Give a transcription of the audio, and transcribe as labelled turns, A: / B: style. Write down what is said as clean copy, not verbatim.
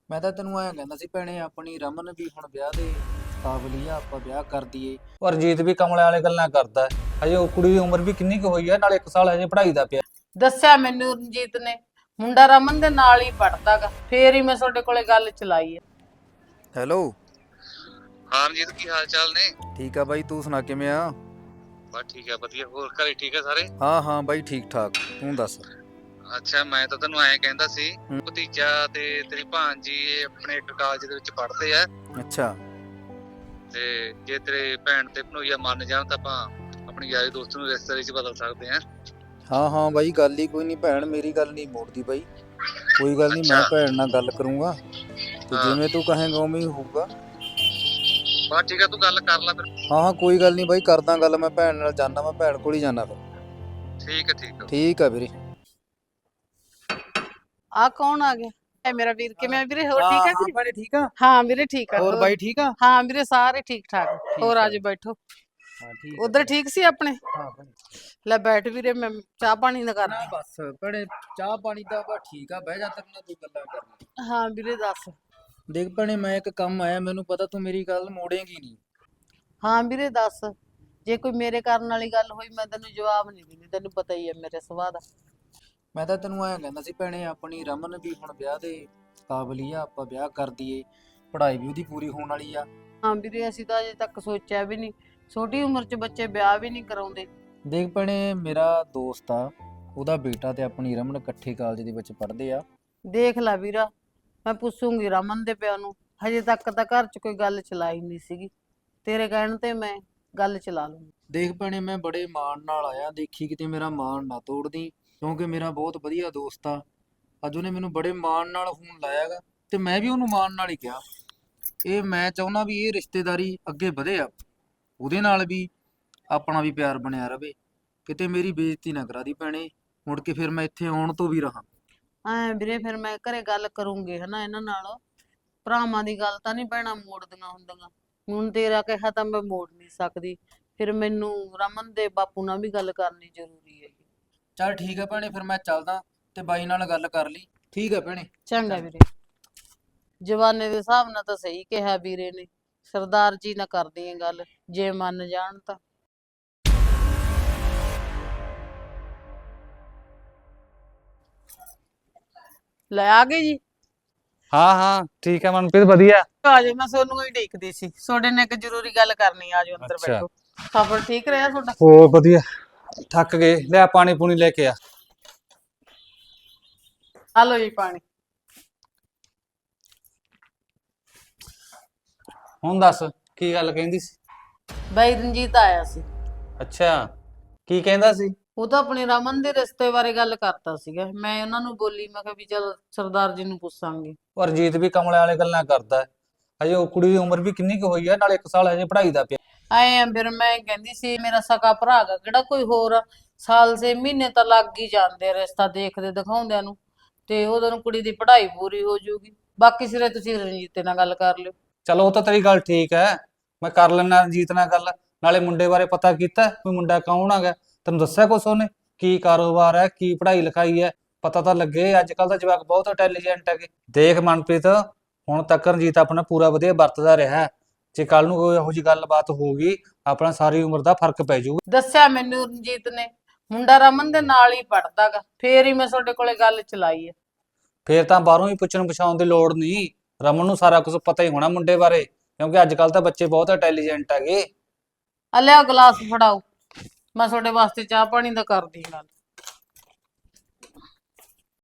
A: ਮੈਂ ਤਾਂ ਤੈਨੂੰ ਐਂ ਕਹਿੰਦਾ ਸੀ ਭੈਣੇ ਆਪਣੀ ਰਮਨ ਵੀ ਹੁਣ ਵਿਆਹ ਦੇ ਕਾਬਲੀ ਆ, ਆਪਾਂ ਵਿਆਹ ਕਰ ਦਈਏ।
B: ਪਰ ਰਣਜੀਤ ਵੀ ਕਮਲੇ ਵਾਲੇ ਗੱਲਾਂ ਕਰਦਾ ਹੈ। ਹਜੇ ਉਹ ਕੁੜੀ ਦੀ ਉਮਰ ਵੀ ਕਿੰਨੀ ਕੁ ਹੋਈ ਹੈ, ਨਾਲੇ 1 ਸਾਲ ਹਜੇ ਪੜ੍ਹਾਈ ਦਾ ਪਿਆ।
C: ਦੱਸਿਆ ਮੈਨੂੰ ਰਣਜੀਤ ਨੇ, ਮੁੰਡਾ ਰਮਨ ਦੇ ਨਾਲ ਹੀ ਪੜਦਾਗਾ, ਫੇਰ ਹੀ ਮੈਂ ਤੁਹਾਡੇ ਕੋਲੇ ਗੱਲ ਚਲਾਈ ਹੈ।
A: ਹੈਲੋ।
D: ਹਾਂ ਰਣਜੀਤ, ਕੀ ਹਾਲ ਚਾਲ ਨੇ?
A: ਠੀਕ ਆ ਬਾਈ, ਤੂੰ ਸੁਣਾ ਕਿਵੇਂ ਆ?
D: ਬਸ ਠੀਕ ਆ, ਵਧੀਆ। ਹੋਰ ਘਰੇ ਠੀਕ ਆ ਸਾਰੇ?
A: ਹਾਂ ਹਾਂ ਬਾਈ, ਠੀਕ ਠਾਕ, ਤੂੰ ਦੱਸ।
D: ਅੱਛਾ, ਮੈਂ ਤਾਂ ਤੈਨੂੰ ਐਂ ਕਹਿੰਦਾ ਸੀ,
A: ਹੂੰ।
D: ਭਤੀਜਾ ਤੇ ਤੇਰੀ ਭਾਣਜੀ ਇਹ ਆਪਣੇ ਇੱਕ ਕਾਲਜ ਦੇ ਵਿੱਚ ਪੜ੍ਹਦੇ ਆ,
A: ਅੱਛਾ।
D: ਤੇ ਜੇ ਤੇਰੇ ਭੈਣ ਤੇ ਭਣੋਈਆ ਮੰਨ ਜਾਣ ਤਾਂ ਆਪਾਂ ਆਪਣੀ ਯਾਰੀ ਦੋਸਤ ਨੂੰ ਰਿਸ਼ਤੇਦਾਰੀ 'ਚ ਬਦਲ ਸਕਦੇ ਆ।
A: ਹਾਂ ਹਾਂ ਬਾਈ, ਗੱਲ ਹੀ ਕੋਈ ਨਹੀਂ, ਭੈਣ ਮੇਰੀ ਗੱਲ ਨਹੀਂ ਮੋੜਦੀ ਬਾਈ। ਕੋਈ ਗੱਲ ਨਹੀਂ, ਮੈਂ
D: ਅੱਛਾ।
A: ਭੈਣ ਨਾਲ ਗੱਲ ਕਰੂੰਗਾ ਤੇ
D: ਹਾਂ।
A: ਜਿਵੇਂ ਤੂੰ ਕਹੇਂਗਾ ਉਵੇਂ ਹੀ ਹੋਊਗਾ।
D: ਬਸ ਠੀਕ ਆ, ਤੂੰ ਗੱਲ ਕਰ ਲੈ ਫਿਰ।
A: ਹਾਂ ਹਾਂ ਕੋਈ ਗੱਲ ਨਹੀਂ ਬਾਈ, ਕਰਦਾ ਗੱਲ, ਮੈਂ ਭੈਣ ਨਾਲ ਜਾਣਾ, ਮੈਂ ਭੈਣ ਕੋਲ ਹੀ ਜਾਣਾ ਫਿਰ।
D: ਠੀਕ ਆ ਠੀਕ ਆ।
A: ਠੀਕ ਆ ਵੀਰੇ।
C: ਆ ਕੌਣ ਆ ਗਿਆ? ਇਹ ਮੇਰਾ ਵੀਰ ਕਿਵੇਂ ਆ ਵੀਰੇ? ਹੋਰ ਠੀਕ ਹੈ ਵੀਰੇ?
A: ਭੈਣੇ ਠੀਕ ਆ?
C: ਹਾਂ ਵੀਰੇ ਠੀਕ ਆ।
A: ਹੋਰ ਬਾਈ ਠੀਕ ਆ?
C: ਹਾਂ ਵੀਰੇ ਸਾਰੇ ਠੀਕ ਠਾਕ। ਹੋਰ ਆਜੋ ਬੈਠੋ।
A: ਹਾਂ ਠੀਕ
C: ਉਧਰ ਠੀਕ ਸੀ ਆਪਣੇ?
A: ਹਾਂ ਭੈਣੇ।
C: ਲੈ ਬੈਠ ਵੀਰੇ, ਮੈਂ ਚਾਹ ਪਾਣੀ ਦਾ
A: ਨਾ
C: ਕਰਦੀ।
A: ਬਸ ਭੈਣੇ, ਚਾਹ ਪਾਣੀ ਦਾ ਬਸ ਠੀਕ ਆ, ਬਹਿ ਜਾ, ਤੇਰੇ ਨਾਲ 2 ਗੱਲਾਂ ਕਰਨੀ।
C: ਹਾਂ ਵੀਰੇ ਦੱਸ।
A: ਦੇਖ ਭੈਣੇ, ਮੈਂ ਇੱਕ ਕੰਮ ਆਇਆ, ਮੈਨੂੰ ਪਤਾ ਤੂੰ ਮੇਰੀ ਗੱਲ ਮੋੜੇਂਗੀ ਨਹੀਂ।
C: ਹਾਂ ਵੀਰੇ ਦੱਸ। ਜੇ ਕੋਈ ਮੇਰੇ ਕਰਨ ਵਾਲੀ ਗੱਲ ਹੋਈ ਮੈਂ ਤੈਨੂੰ ਜਵਾਬ ਨਹੀਂ ਦਿੰਦੀ, ਤੈਨੂੰ ਪਤਾ ਹੀ ਹੈ ਮੇਰੇ ਸੁਭਾਅ ਦਾ।
A: ਮੈਂ ਤਾਂ ਤੈਨੂੰ ਐਂ ਕਹਿੰਦਾ ਸੀ ਭੈਣੇ, ਆਪਣੀ ਰਮਨ ਵੀ ਹੁਣ ਵਿਆਹ ਦੇ ਕਾਬਲੀ ਆ, ਆਪਾਂ ਵਿਆਹ ਕਰ ਦਈਏ, ਪੜ੍ਹਾਈ ਵੀ ਉਹਦੀ ਪੂਰੀ ਹੋਣ ਵਾਲੀ ਆ।
C: ਹਾਂ ਵੀਰੇ ਅਸੀਂ ਤਾਂ ਅਜੇ ਤੱਕ ਸੋਚਿਆ ਵੀ ਨਹੀਂ, ਛੋਟੀ ਉਮਰ 'ਚ ਬੱਚੇ ਵਿਆਹ ਵੀ ਨਹੀਂ ਕਰਾਉਂਦੇ।
A: ਦੇਖ ਭੈਣੇ, ਮੇਰਾ ਦੋਸਤ ਆ, ਉਹਦਾ ਬੇਟਾ ਤੇ ਆਪਣੀ ਰਮਨ ਇਕੱਠੇ ਕਾਲਜ ਦੇ ਵਿੱਚ ਪੜ੍ਹਦੇ ਆ।
C: ਦੇਖ ਲੈ ਵੀਰਾ, ਮੈਂ ਪੁੱਛੂੰਗੀ ਰਮਨ ਦੇ ਪਿਓ ਨੂੰ, ਹਜੇ ਤੱਕ ਤਾਂ ਘਰ 'ਚ ਕੋਈ ਗੱਲ ਚਲਾਈ ਨਹੀਂ ਸੀਗੀ, ਤੇਰੇ ਕਹਿਣ ਤੇ ਮੈਂ ਗੱਲ ਚਲਾ ਲੂੰਗੀ।
A: ਦੇਖ ਭੈਣੇ, ਮੈਂ ਬੜੇ ਮਾਣ ਨਾਲ ਆਇਆ, ਦੇਖੀ ਕਿਤੇ ਮੇਰਾ ਮਾਣ ਨਾ ਤੋੜਦੀ, ਕਿਉਂਕਿ ਮੇਰਾ ਬਹੁਤ ਵਧੀਆ ਦੋਸਤ ਆ। ਅੱਜ ਉਹਨੇ ਮੈਨੂੰ ਬੜੇ ਮਾਣ ਨਾਲ ਫੋਨ ਲਾਇਆਗਾ ਤੇ ਮੈਂ ਵੀ ਉਹਨੂੰ ਮਾਣ ਨਾਲ ਹੀ ਕਿਹਾ, ਇਹ ਮੈਂ ਚਾਹੁੰਦਾ ਵੀ ਇਹ ਰਿਸ਼ਤੇਦਾਰੀ ਅੱਗੇ ਵਧੇ ਆ, ਉਹਦੇ ਨਾਲ ਵੀ ਆਪਣਾ ਵੀ ਪਿਆਰ ਬਣਿਆ ਰਵੇ, ਕਿਤੇ ਮੇਰੀ ਬੇਇੱਜ਼ਤੀ ਨਾ ਕਰਾ ਦੀ ਭੈਣੇ, ਮੁੜ ਕੇ ਫਿਰ ਮੈਂ ਇੱਥੇ ਆਉਣ ਤੋਂ ਵੀ ਰਹਾ।
C: ਐ ਵੀਰੇ ਫਿਰ ਮੈਂ ਘਰੇ ਗੱਲ ਕਰੂੰਗੀ ਹਨਾ ਇਹਨਾਂ ਨਾਲ, ਭਰਾਵਾਂ ਦੀ ਗੱਲ ਤਾਂ ਨਹੀਂ ਭੈਣਾਂ ਮੋੜਦੀਆਂ ਹੁੰਦੀਆਂ, ਹੁਣ ਤੇਰਾ ਕਿਹਾ ਤਾਂ ਮੈਂ ਮੋੜ ਨਹੀਂ ਸਕਦੀ, ਫਿਰ ਮੈਨੂੰ ਰਮਨ ਦੇ ਬਾਪੂ ਨਾਲ ਵੀ ਗੱਲ ਕਰਨੀ ਜ਼ਰੂਰੀ ਹੈ।
A: ਚੱਲ ਠੀਕ ਹੈ ਭੈਣੇ, ਫਿਰ ਮੈਂ ਚੱਲਦਾ ਤੇ ਬਾਈ ਨਾਲ ਗੱਲ ਕਰ ਲਈ। ਠੀਕ ਹੈ ਭੈਣੇ।
C: ਚੰਗਾ ਵੀਰੇ। ਜਵਾਨੇ ਦੇ ਹਿਸਾਬ ਨਾਲ ਤਾਂ ਸਹੀ ਕਿਹਾ ਵੀਰੇ ਨੇ, ਸਰਦਾਰ ਜੀ ਨਾਲ ਕਰਦੀ ਆਂ ਗੱਲ, ਜੇ ਮੰਨ ਜਾਣ ਤਾਂ। ਲੈ ਆ ਗਏ ਜੀ?
B: ਹਾਂ ਹਾਂ ਠੀਕ ਹੈ ਮਨਪ੍ਰੀਤ, ਵਧੀਆ।
C: ਆ ਜਾਓ, ਮੈਂ ਤੁਹਾਨੂੰ ਹੀ ਢੀਕਦੀ ਸੀ, ਤੁਹਾਡੇ ਨਾਲ ਇੱਕ ਜ਼ਰੂਰੀ ਗੱਲ ਕਰਨੀ, ਆ ਜਾਓ ਅੰਦਰ
B: ਅੱਛਾ।
C: ਬੈਠੋ। ਸਫ਼ਰ ਠੀਕ ਰਿਹਾ ਤੁਹਾਡਾ?
B: ਹੋਰ ਵਧੀਆ, ਥੱਕ ਗਏ, ਲੈ ਪਾਣੀ ਪੂਣੀ ਲੈ ਕੇ ਆ।
C: ਆ ਲਓ ਜੀ ਪਾਣੀ।
B: ਹੁਣ ਦੱਸ, ਕੀ ਗੱਲ ਕਹਿੰਦੀ ਸੀ?
C: ਬਾਈ ਰਣਜੀਤ ਆਇਆ ਸੀ,
B: ਅੱਛਾ, ਕੀ ਕਹਿੰਦਾ ਸੀ?
C: ਉਹ ਤਾਂ ਆਪਣੀ ਰਮਨ ਦੇ ਰਿਸ਼ਤੇ ਬਾਰੇ ਗੱਲ ਕਰਤਾ ਸੀਗਾ, ਮੈਂ ਉਹਨਾਂ ਨੂੰ ਬੋਲੀ, ਮੈਂ ਕਿਹਾ ਵੀ ਚਲ ਸਰਦਾਰ ਜੀ ਨੂੰ ਪੁੱਛਾਂਗੇ।
B: ਪਰ ਰਣਜੀਤ ਵੀ ਕਮਲੇ ਵਾਲੇ ਗੱਲਾਂ ਕਰਦਾ ਹੈ। ਹਜੇ ਉਹ ਕੁੜੀ ਦੀ ਉਮਰ ਵੀ ਕਿੰਨੀ ਕੁ ਹੋਈ ਹੈ, ਨਾਲੇ 1 ਸਾਲ ਹਜੇ ਪੜ੍ਹਾਈ ਦਾ ਪਿਆ।
C: ਆਏ ਆ ਫਿਰ ਮੈਂ ਕਹਿੰਦੀ ਸੀ, ਮੇਰਾ ਸਕਾ ਭਰਾ ਗਾ ਕਿਹੜਾ ਕੋਈ ਹੋਰ ਆ, ਸਾਲ 6 ਮਹੀਨੇ ਤਾਂ ਲੱਗ ਹੀ ਜਾਂਦੇ ਆ ਰਿਸ਼ਤਾ ਦੇਖਦੇ ਦਿਖਾਉਂਦਿਆਂ ਨੂੰ, ਤੇ ਉਦੋਂ ਨੂੰ ਕੁੜੀ ਦੀ ਪੜ੍ਹਾਈ ਪੂਰੀ ਹੋ ਜਾਊਗੀ। ਬਾਕੀ ਸਿਰੇ ਤੁਸੀਂ ਰਣਜੀਤ ਨਾਲ ਗੱਲ ਕਰ ਲਿਓ।
B: ਚਲੋ ਉਹ ਤਾਂ ਤੇਰੀ ਗੱਲ ਠੀਕ ਹੈ, ਮੈਂ ਕਰ ਲੈਣਾ ਰਣਜੀਤ ਨਾਲ ਗੱਲ। ਨਾਲੇ ਮੁੰਡੇ ਬਾਰੇ ਪਤਾ ਕੀਤਾ ਵੀ ਮੁੰਡਾ ਕੌਣ ਹੈਗਾ? ਤੈਨੂੰ ਦੱਸਿਆ ਕੁਛ ਉਹਨੇ? ਕੀ ਕਾਰੋਬਾਰ ਹੈ, ਕੀ ਪੜ੍ਹਾਈ ਲਿਖਾਈ ਹੈ? ਪਤਾ ਤਾਂ ਲੱਗੇ, ਅੱਜ ਕੱਲ ਦਾ ਜਵਾਕ ਬਹੁਤ ਇੰਟੈਲੀਜੈਂਟ ਹੈਗੇ। ਦੇਖ ਮਨਪ੍ਰੀਤ, ਹੁਣ ਤੱਕ ਰਣਜੀਤ ਆਪਣਾ ਪੂਰਾ ਵਧੀਆ ਵਰਤਦਾ ਰਿਹਾ, ਜੇ ਕੱਲ ਨੂੰ ਕੋਈ ਇਹੋ ਜਿਹੀ ਗੱਲਬਾਤ ਹੋਊਗੀ, ਆਪਣਾ ਸਾਰੀ ਉਮਰ ਦਾ ਫਰਕ ਪੈ ਜਾਊਗਾ।
C: ਦੱਸਿਆ ਮੈਨੂੰ ਰਣਜੀਤ ਨੇ, ਮੁੰਡਾ ਰਮਨ ਦੇ ਨਾਲ ਹੀ ਪੜਦਾਗਾ, ਫੇਰ ਹੀ ਮੈਂ ਤੁਹਾਡੇ ਕੋਲੇ ਗੱਲ ਚਲਾਈ ਹੈ।
B: ਫੇਰ ਤਾਂ ਬਾਹਰੋਂ ਹੀ ਪੁੱਛਣ ਪਛਾਉਣ ਦੀ ਲੋੜ ਨਹੀਂ, ਰਮਨ ਨੂੰ ਸਾਰਾ ਕੁਝ ਪਤਾ ਹੀ ਹੋਣਾ ਮੁੰਡੇ ਬਾਰੇ, ਕਿਉਂਕਿ ਅੱਜ ਕੱਲ ਤਾਂ ਬੱਚੇ ਬਹੁਤ ਇੰਟੈਲੀਜੈਂਟ ਹੈਗੇ।
C: ਆ ਲਿਆਓ ਗਲਾਸ ਫੜਾਓ, ਮੈਂ ਤੁਹਾਡੇ ਵਾਸਤੇ ਚਾਹ ਪਾਣੀ ਦਾ ਕਰਦੀ ਗੱਲ।